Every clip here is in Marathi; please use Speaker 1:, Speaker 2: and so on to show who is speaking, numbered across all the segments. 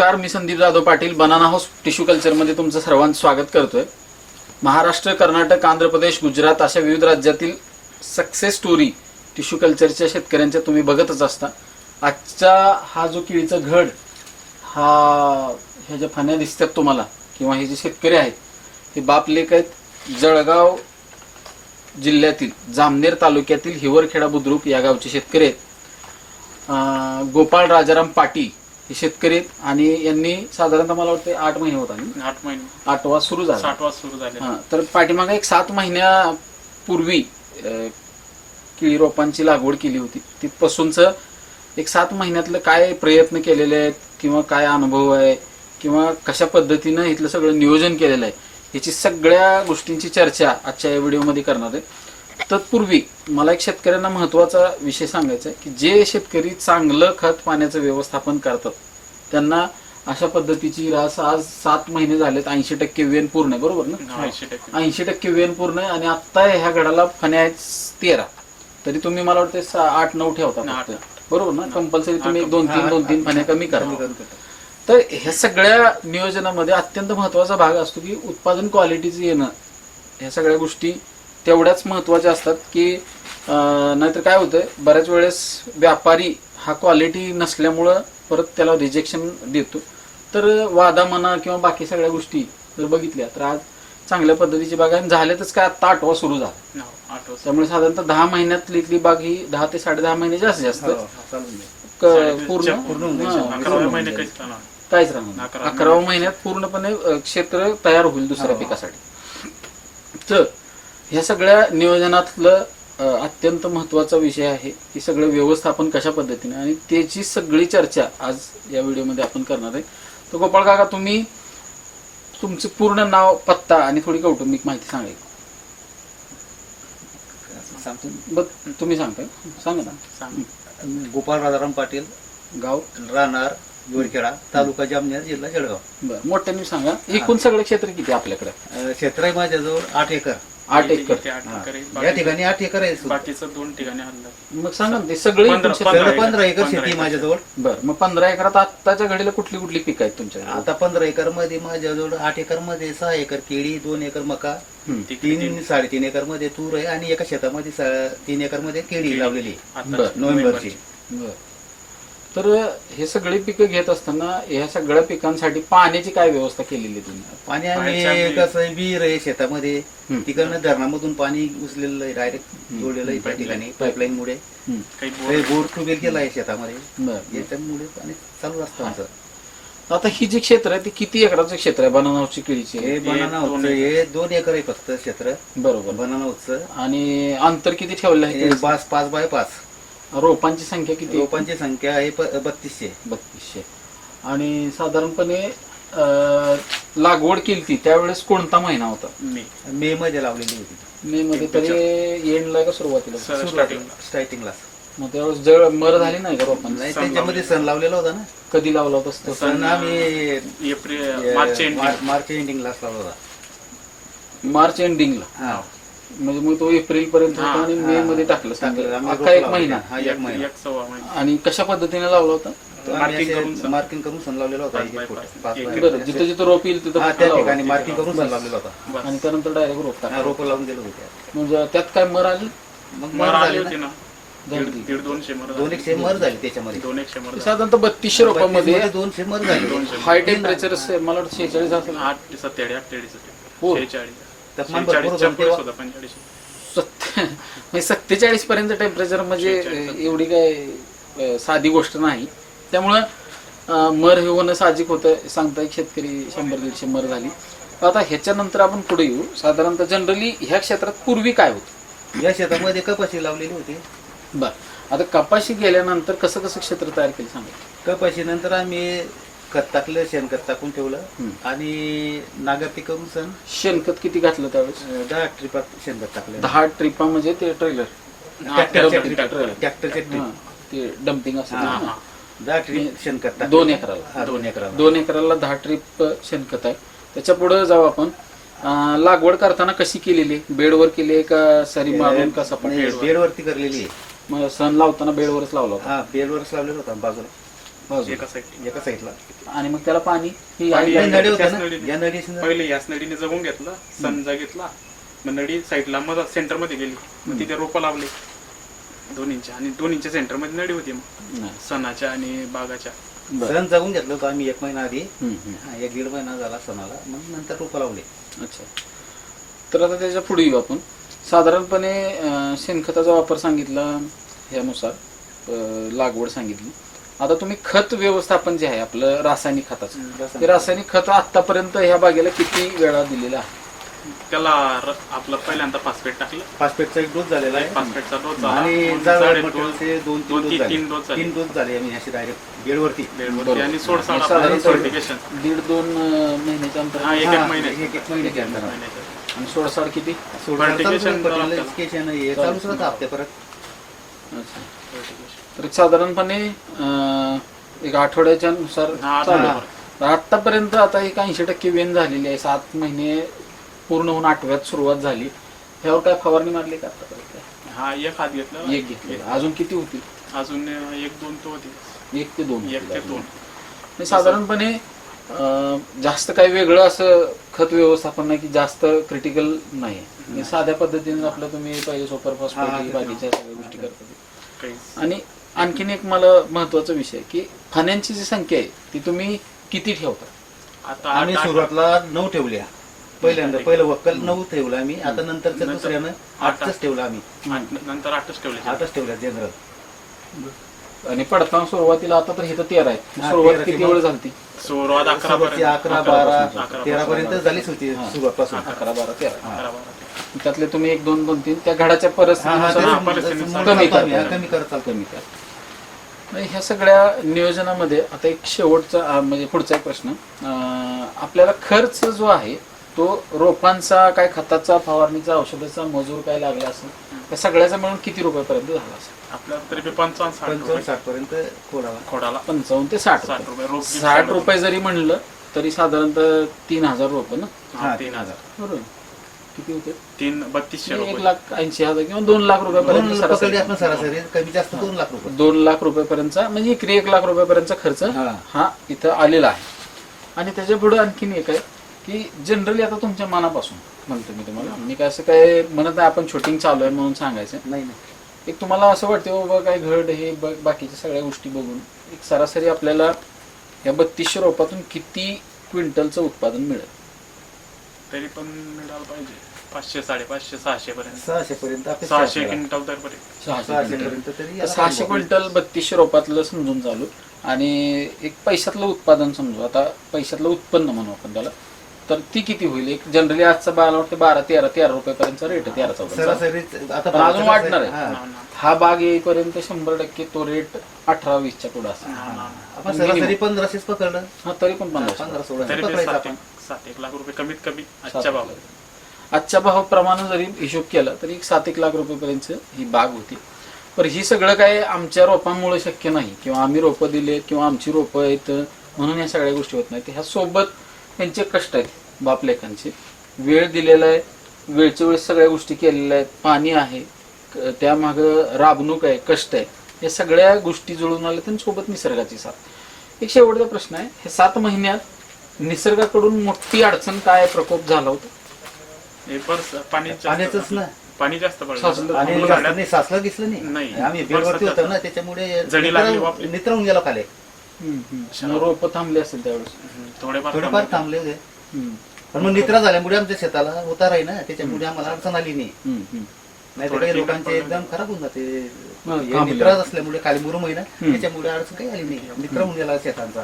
Speaker 1: नमस्कार, मी Sandeep Jadhav Patil banana house tissue कल्चरमध्ये तुमचं सर्वांचं स्वागत करतोय. महाराष्ट्र, कर्नाटक, आंध्र प्रदेश, गुजरात अशा विविध राज्यातील सक्सेस स्टोरी टिश्यू कल्चरच्या शेतकऱ्यांच्या तुम्ही बघतच असता. आजचा हा जो केळीचा घड, ह्या ज्या फण्या दिसतात तुम्हाला किंवा हे जे शेतकरी आहेत हे बाप लेक आहेत. जळगाव जिल्ह्यातील जामनेर तालुक्यातील हिवरखेडा बुद्रुक या गावचे शेतकरी आहेत. गोपाळ राजाराम पाटील हे शेतकरी आहेत आणि यांनी साधारणतः मला वाटतं 8 महिने होता, 8वा सुरू झाला,
Speaker 2: 7वा सुरू झाला.
Speaker 1: तर पाठीमागे एक 7 महिन्यापूर्वी केळी रोपांची लागवड केली होती. तिथपासूनच एक 7 महिन्यातलं काय प्रयत्न केलेले आहेत किंवा काय अनुभव आहे किंवा कशा पद्धतीनं इथलं सगळं नियोजन केलेलं आहे याची सगळ्या गोष्टींची चर्चा आजच्या या व्हिडिओमध्ये करणार आहे. तत्पूर्वी मला एक शेतकऱ्यांना महत्त्वाचा विषय सांगायचा आहे की जे शेतकरी चांगलं खत पाण्याचं व्यवस्थापन करतात त्यांना अशा पद्धतीची रास आज 7 महिने झालेत. 80% वेन पूर्ण आहे, बरोबर ना? 80% वेन पूर्ण आहे आणि आता ह्या घडाला फण्या आहेत 13. तरी तुम्ही मला वाटतं 8-9 ठेवता, बरोबर ना? कंपल्सरी तुम्ही 2-3 फण्या कमी करा. तर ह्या सगळ्या नियोजनामध्ये अत्यंत महत्त्वाचा भाग असतो की उत्पादन क्वालिटीचं येणं. ह्या सगळ्या गोष्टी तेवढ्याच महत्त्वाच्या असतात की नाहीतर काय होतं, बऱ्याच वेळेस व्यापारी हा क्वालिटी नसल्यामुळं परत त्याला रिजेक्शन देतो. तर वादा म्हणा किंवा बाकी सगळ्या गोष्टी जर बघितल्या तर आज चांगल्या पद्धतीची बाग आहे. झाल्यातच काय आता 8वा सुरू झाला, त्यामुळे साधारणतः 10 महिन्यातली इथली बाग ही 10 ते 10.5 महिने जास्त पूर्ण काहीच राहणार. 11व्या महिन्यात पूर्णपणे क्षेत्र तयार होईल दुसऱ्या पिकासाठी. तर ह्या सगळ्या नियोजनातलं अत्यंत महत्त्वाचा विषय आहे की सगळं व्यवस्थापन कशा पद्धतीने, आणि त्याची सगळी चर्चा आज या व्हिडिओमध्ये आपण करणार आहे. तर गोपाळ काका, तुम्ही तुमचं पूर्ण नाव, पत्ता आणि थोडी कौटुंबिक माहिती सांगाल? तुम्ही सांगताय, सांगा ना.
Speaker 3: गोपाळ राजाराम पाटील,
Speaker 1: गाव
Speaker 3: राहणार हिवरखेडा, तालुका जामनेर, जिल्हा जळगाव.
Speaker 1: बरं, मोठ्याने सांगा. एकूण सगळं क्षेत्र किती आपल्याकडे?
Speaker 3: क्षेत्र आहे माझ्याजवळ 8 एकर.
Speaker 1: 8 एकर.
Speaker 3: या ठिकाणी 8 एकर आहे.
Speaker 2: बाकीचं 2 ठिकाणी हल्लं.
Speaker 1: मग सांगा ते सगळे
Speaker 3: 15 एकर शेती माझ्याजवळ.
Speaker 1: बरं, मग 15 एकरात आत्ताच्या घडीला कुठली कुठली पिकं आहेत तुमच्याकडे?
Speaker 3: आता 15 एकर मध्ये माझ्याजवळ 8 एकर मध्ये 6 एकर केळी, 2 एकर मका, 3-3.5 एकर मध्ये तूर आहे आणि एका शेतामध्ये 3 एकर मध्ये केळी लावलेली नोव्हेंबरची.
Speaker 1: तर हे सगळी पिकं घेत असताना ह्या सगळ्या पिकांसाठी पाण्याची काय व्यवस्था केलेली तुम्ही?
Speaker 3: पाणी आम्ही कसं, विहीर आहे शेतामध्ये, तिकडनं धरणामधून पाणी उचलेलं आहे, डायरेक्ट जोडलेलं आहे त्या ठिकाणी पाईपलाईन मुळे. काही बोर ट्यूबवेल केला आहे शेतामध्ये, याच्यामुळे पाणी चालू असतं आमचं.
Speaker 1: आता ही जी क्षेत्र आहे ती किती एकराचं क्षेत्र आहे बनाना हाऊसची केळीची?
Speaker 3: हे बनाना हाऊसचं हे 2 एकर आहे फक्त क्षेत्र.
Speaker 1: बरोबर,
Speaker 3: बनाना हाऊसचं.
Speaker 1: आणि अंतर किती ठेवलं आहे?
Speaker 3: 5x5.
Speaker 1: रोपांची संख्या किती?
Speaker 3: रोपांची संख्या आहे 3200.
Speaker 1: आणि साधारणपणे लागवड केली त्यावेळेस कोणता महिना होता?
Speaker 3: मे मध्ये लावलेली होती.
Speaker 1: मे मध्ये. तरी एंडला का सुरुवातीला?
Speaker 3: स्टार्टिंगला.
Speaker 1: मग त्यावेळेस जळ मर झाली नाही का रोपांना?
Speaker 3: नाही, त्याच्यामध्ये सण लावलेला होता ना.
Speaker 1: कधी लावला होता
Speaker 3: सण? आम्ही मार्च एंडिंगला लावला होता.
Speaker 1: मार्च एंडिंगला. म्हणजे मग तो एप्रिल पर्यंत होता आणि मे मध्ये टाकलं, अख्खा 1 महिना. आणि कशा पद्धतीने लावला होता?
Speaker 3: मार्किंग करून सण लावलेला होता.
Speaker 1: जिथं जिथं रोप येईल तिथं
Speaker 3: त्या ठिकाणी मार्किंग करून सण लावलेला होता
Speaker 1: आणि त्यानंतर डायरेक्ट
Speaker 3: रोप लावून गेलो होते.
Speaker 1: म्हणजे त्यात काय मर आली?
Speaker 3: मग मर आली ना,
Speaker 2: 150
Speaker 3: मर झाली त्याच्यामध्ये.
Speaker 1: साधारणतः 3200 रोपांमध्ये
Speaker 3: 200 मर झाली.
Speaker 1: हाय टेम्परेचर मला वाटतं 46 असेल. 47 पर्यंत टेम्परेचर, म्हणजे एवढी काय साधी गोष्ट नाही. त्यामुळं मर हे होणं साहजिक होतं. सांगता एक शेतकरी 100-150 मर झाली. आता ह्याच्यानंतर आपण पुढे येऊ. साधारणतः जनरली ह्या क्षेत्रात पूर्वी काय होतं?
Speaker 3: या शेतामध्ये कपाशी लावलेली होती.
Speaker 1: बर, आता कपाशी गेल्यानंतर कसं कसं क्षेत्र तयार केलं सांगा.
Speaker 3: कपाशी नंतर आम्ही खत टाकलं, शेणखत टाकून ठेवलं आणि नागरती करून सण.
Speaker 1: शेणखत किती घातलं त्यावेळेस?
Speaker 3: 10 ट्रिपा शेणखत टाकलं.
Speaker 1: 10 ट्रिपा म्हणजे ते ट्रेलर,
Speaker 3: ट्रॅक्टरचे
Speaker 1: ते डम्पिंग असतं.
Speaker 3: 10 ट्रिप शेणखत टाकलं
Speaker 1: 2 एकराला. 2 एकराला 10 ट्रिप शेणखत आहे. त्याच्या पुढे जाऊ आपण. लागवड करताना कशी केलेली? बेडवर केली आहे का सरी मारून का सपाट?
Speaker 3: बेडवरती करलेली आहे.
Speaker 1: मग सण लावताना बेडवरच लावला होता?
Speaker 3: बेडवरच लावलेला होता बाजूला.
Speaker 1: बाजूला.
Speaker 2: एका साईड
Speaker 3: एका साईडला
Speaker 1: आणि मग त्याला पाणी ही
Speaker 2: पाणी
Speaker 1: आहे.
Speaker 3: नळी होत्या
Speaker 2: त्याच
Speaker 3: ना,
Speaker 2: नळीने.
Speaker 3: या नळीने
Speaker 2: पहिले याच नळीने जगून घेतलं, समजा घेतला, मग नळी साईडला मग सेंटर मध्ये गेली, मग तिथे रोपं लावले 2 इंच, आणि 2 इंच सेंटर मध्ये नळी होती मग
Speaker 1: नाही.
Speaker 2: सणाच्या आणि बागाच्या.
Speaker 1: बरं.
Speaker 3: सण जगून घेतलं होतं आम्ही 1 महिना आधी.
Speaker 1: हम्म, हम्म.
Speaker 3: 1-1.5 महिना झाला सणाला, मग नंतर रोपं लावले.
Speaker 1: अच्छा. तर आता त्याच्या पुढे येऊ आपण. साधारणपणे शेणखताचा वापर सांगितला, ह्यानुसार लागवड सांगितली. आता तुम्ही खत व्यवस्थापन जे आहे आपलं रासायनिक खताचं, ते रासायनिक खत आतापर्यंत ह्या बागेला किती वेळा दिलेलं आहे?
Speaker 2: त्याला आपलं पहिल्यांदा फॉस्फेट टाकलं,
Speaker 3: फॉस्फेटचा 1 डोस झालेला आहे
Speaker 2: फॉस्फेटचा डोस झाला,
Speaker 3: आणि
Speaker 2: मग
Speaker 3: जाड
Speaker 2: साडे
Speaker 3: मटेरियलचे 2-3
Speaker 2: दोन-
Speaker 3: डोस झाले.
Speaker 2: तीन डोस झाले.
Speaker 3: 3 डोस झाले आम्ही अशी डायरेक्ट बेडवरती.
Speaker 2: बेडवरती, आणि
Speaker 1: बरोबर.
Speaker 2: सोडसाड
Speaker 1: साधारण
Speaker 2: आपलं सर्टिफिकेशन
Speaker 1: 1.5-2 महिन्याच्या अंतर.
Speaker 2: हा, एक
Speaker 3: हा,
Speaker 2: महिन्याचं.
Speaker 3: एक महिन्याच्या अंतरावर.
Speaker 2: महिन्याचं.
Speaker 1: आणि सोडसाड किती?
Speaker 2: Fertigation
Speaker 3: चालूच राहतं हप्ते परत.
Speaker 1: अच्छा.
Speaker 2: Fertigation.
Speaker 1: तर साधारणपणे एक आठवड्याच्या नुसार
Speaker 2: हा,
Speaker 1: चालू
Speaker 2: हा.
Speaker 1: आहे. तर आतापर्यंत आता एक 80% वेन झालेली आहे. 7 महिने पूर्ण होऊन 8व्यात सुरुवात झाली. ह्यावर काय फवारणी मारली का आतापर्यंत?
Speaker 2: हा, एक हात घेतला,
Speaker 1: एक घेतली. अजून किती होती?
Speaker 2: अजून 1-2 तो होती.
Speaker 1: 1 ते 2.
Speaker 2: 1 ते 2.
Speaker 1: आणि साधारणपणे जास्त काही वेगळं असं खत व्यवस्थापन नाही की जास्त क्रिटिकल नाही. म्हणजे साध्या पद्धतीने आपलं तुम्ही पहिले सुपर फॉस्फेट बाकीच्या सगळ्या गोष्टी करता. आणि आणखीन एक मला महत्वाचा विषय की फाण्यांची जी संख्या आहे ती तुम्ही किती ठेवता?
Speaker 2: आता
Speaker 3: आम्ही
Speaker 2: 8
Speaker 3: सुरुवातला 9 ठेवल्या. पहिलं वक्कल 9 ठेवलं आम्ही. आता नंतरच्या
Speaker 2: नंतर
Speaker 3: दुसऱ्यानं 8च ठेवलं आम्ही.
Speaker 2: नंतर 8च ठेवले.
Speaker 3: 8च ठेवल्या जनरल.
Speaker 1: आणि पडताना सुरुवातीला आता तर इथं 13 आहे.
Speaker 3: हा,
Speaker 1: सुरुवात
Speaker 3: 13
Speaker 1: किती वेळ झाली?
Speaker 2: सुरुवात 11
Speaker 3: सुरुवातची 11, 12, 13 पर्यंत झालीच होती
Speaker 1: हा.
Speaker 3: सुरुवातपासून.
Speaker 1: 11, 12, 13.
Speaker 2: 11.
Speaker 1: त्यातले तुम्ही 1, 2, 2, 3 त्या घडाच्या
Speaker 3: हा,
Speaker 1: परिस्थितीनुसार
Speaker 2: हा,
Speaker 3: ते
Speaker 2: परिस्थितीनुसार
Speaker 3: कमी
Speaker 1: करता.
Speaker 3: कमी करत चालतो.
Speaker 1: कमी करा. म्हणजे ह्या सगळ्या नियोजनामध्ये आता एक शेवटचा म्हणजे पुढचा एक प्रश्न, आपल्याला खर्च जो आहे तो रोपांचा, काय खताचा, फवारणीचा, औषधाचा, मजूर काय लागला असेल त्या सगळ्याचा मिळून किती रुपयापर्यंत झाला असेल?
Speaker 2: आपल्याला तरी 55-60
Speaker 3: 60 पर्यंत खोडाला.
Speaker 2: खोडाला
Speaker 1: 55 ते 60
Speaker 2: 60 रुपये रोप.
Speaker 1: 60 रुपये जरी म्हणलं तरी साधारणतः 3000 रुपये ना.
Speaker 2: हा, 3000.
Speaker 1: बरोबर. किती होते?
Speaker 2: 3200 रुपये.
Speaker 1: 1,80,000 किंवा 2 लाख रुपयापर्यंत
Speaker 3: 2
Speaker 1: सरासरी.
Speaker 3: आपण सरासरी कमी जास्त 2 लाख रुपये.
Speaker 1: 2 लाख रुपयापर्यंतचा म्हणजे इकडे 1 लाख रुपयापर्यंतचा खर्च
Speaker 3: हा.
Speaker 1: हा इथं आलेला आहे. आणि त्याच्या पुढे आणखीन एक आहे की जनरली आता तुमच्या मनापासून म्हणतो मी तुम्हाला, मी काय असं काय म्हणत नाही आपण शूटिंग चालू आहे म्हणून सांगायचं.
Speaker 3: नाही
Speaker 1: एक तुम्हाला असं वाटतं बाबा काय घड हे बाकीच्या सगळ्या गोष्टी बघून एक सरासरी आपल्याला या 3200 रोपातून किती क्विंटलचं उत्पादन मिळेल?
Speaker 2: तरी पण मिळालं पाहिजे 500, 550, 600 पर्यंत.
Speaker 3: 600 पर्यंत आपण
Speaker 2: 600 क्विंटल तर पर्यंत.
Speaker 3: 600 पर्यंत तरी याला
Speaker 1: 600 क्विंटल 3200 रोपातलं समजून चालू. आणि एक पैशातलं उत्पादन समजू, आता पैशातलं उत्पन्न म्हणू आपण त्याला, तर ती किती होईल? एक जनरली आजचा मला वाटतं 12-13 रुपयापर्यंत रेट आहे. 13-14
Speaker 3: सरासरी आता
Speaker 1: पण अजून वाढणार आहे.
Speaker 3: हा.
Speaker 2: ना, ना.
Speaker 1: हा बाग येईपर्यंत 100% तो रेट 18-20च्या पुढे असेल.
Speaker 2: ना, ना.
Speaker 3: आपण सरासरी 1500 पकडलं.
Speaker 1: हा तरी पण 1500.
Speaker 3: 15-16
Speaker 2: तरी
Speaker 3: पकडायचं आपण.
Speaker 2: 7-1 लाख रुपये कमीत कमी आजच्या भावात.
Speaker 1: आजच्या भावाप्रमाणे जरी हिशोब केला तरी 7-1 लाख रुपयेपर्यंत ही बाग होती. पण ही सगळं काय आमच्या रोपांमुळे शक्य नाही किंवा आम्ही रोपं दिलेत किंवा आमची रोपं आहेत म्हणून या सगळ्या गोष्टी होत नाहीत. ह्या सोबत त्यांचे कष्ट आहेत, बापलेखांचे. वेळ दिलेला आहे, वेळच्या वेळेस सगळ्या गोष्टी केलेल्या आहेत, पाणी आहे, त्यामागं राबणूक आहे, कष्ट आहे, या सगळ्या गोष्टी जुळून आल्या आणि सोबत निसर्गाची साथ. एक शेवटचा प्रश्न आहे, हे 7 महिन्यात निसर्गाकडून मोठी अडचण काय, प्रकोप झाला होता?
Speaker 2: हे
Speaker 3: पाण्याचंच ना.
Speaker 2: पाणी जास्त पडलं.
Speaker 1: साचलं.
Speaker 3: आणि
Speaker 2: आपण
Speaker 3: जास्त
Speaker 2: झाडात
Speaker 3: नाही, साचलं दिसलं नाही.
Speaker 2: नाही.
Speaker 3: आम्ही बेडवरती होतो ना, त्याच्यामुळे नित्रवून गेलो खाली.
Speaker 1: रोपं थांबले असेल त्यावेळेस.
Speaker 2: थोडेफार
Speaker 3: थोडेफार थांबले होते. पण मग नित्रा झाल्यामुळे आमच्या शेताला उतार आहे ना, त्याच्यामुळे आम्हाला अडचण आली नाही. नाही तर काही लोकांचे एकदम खराब होऊन जाते. नित्राच असल्यामुळे खाली मुरुम आहे ना, त्याच्यामुळे अडचण काही आली नाही. नित्रवून गेला शेतांचा.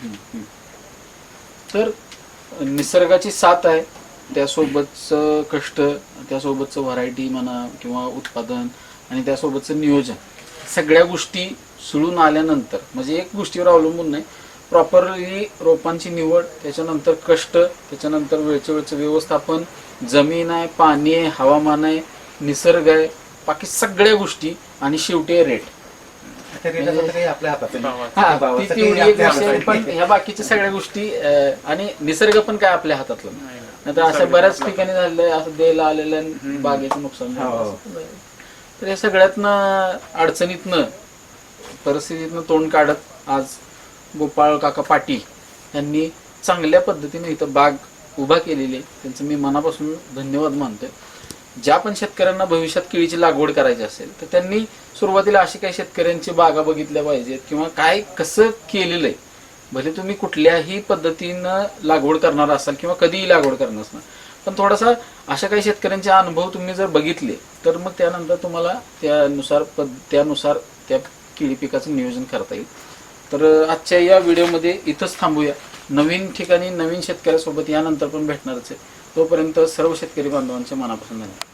Speaker 1: तर निसर्गाची साथ आहे, त्यासोबतचं कष्ट, त्यासोबतचं व्हरायटी म्हणा किंवा उत्पादन आणि त्यासोबतचं नियोजन, सगळ्या गोष्टी सुळून आल्यानंतर म्हणजे एक गोष्टीवर अवलंबून नाही, प्रॉपरली रोपांची निवड, त्याच्यानंतर कष्ट, त्याच्यानंतर वेळच्या वेळचं व्यवस्थापन, जमीन आहे, पाणी आहे, हवामान आहे, निसर्ग आहे, बाकी सगळ्या गोष्टी आणि शेवटी रेट.
Speaker 3: आपल्या हातात
Speaker 1: पण ह्या बाकीच्या सगळ्या गोष्टी आणि निसर्ग पण काय आपल्या हातातलं नाही तर असं बऱ्याच ठिकाणी झालेलं असं द्यायला आलेलं बागेचं नुकसान झालं. तर या सगळ्यातनं अडचणीतनं परिस्थितीतनं तोंड काढत आज गोपाळ काका पाटील यांनी चांगल्या पद्धतीने इथं बाग उभा केलेली आहे. त्यांचं मी मनापासून धन्यवाद मानतोय. ज्या पण शेतकऱ्यांना भविष्यात केळीची लागवड करायची असेल तर त्यांनी सुरुवातीला अशी काही शेतकऱ्यांची बागा बघितल्या पाहिजेत किंवा काय कसं केलेलं आहे. भले तुम्ही कुठल्याही पद्धतीनं लागवड करणार असाल किंवा कधीही लागवड करणार असणार, पण थोडासा अशा काही शेतकऱ्यांचे अनुभव तुम्ही जर बघितले तर मग त्यानंतर तुम्हाला त्यानुसार त्या केळी पिकाचं नियोजन करता येईल. तर आजच्या या व्हिडिओमध्ये इथंच थांबूया. नवीन ठिकाणी नवीन शेतकऱ्यासोबत यानंतर पण भेटणारच आहे. तोपर्यंत सर्व शेतकरी बांधवांचे मनापासून धन्यवाद.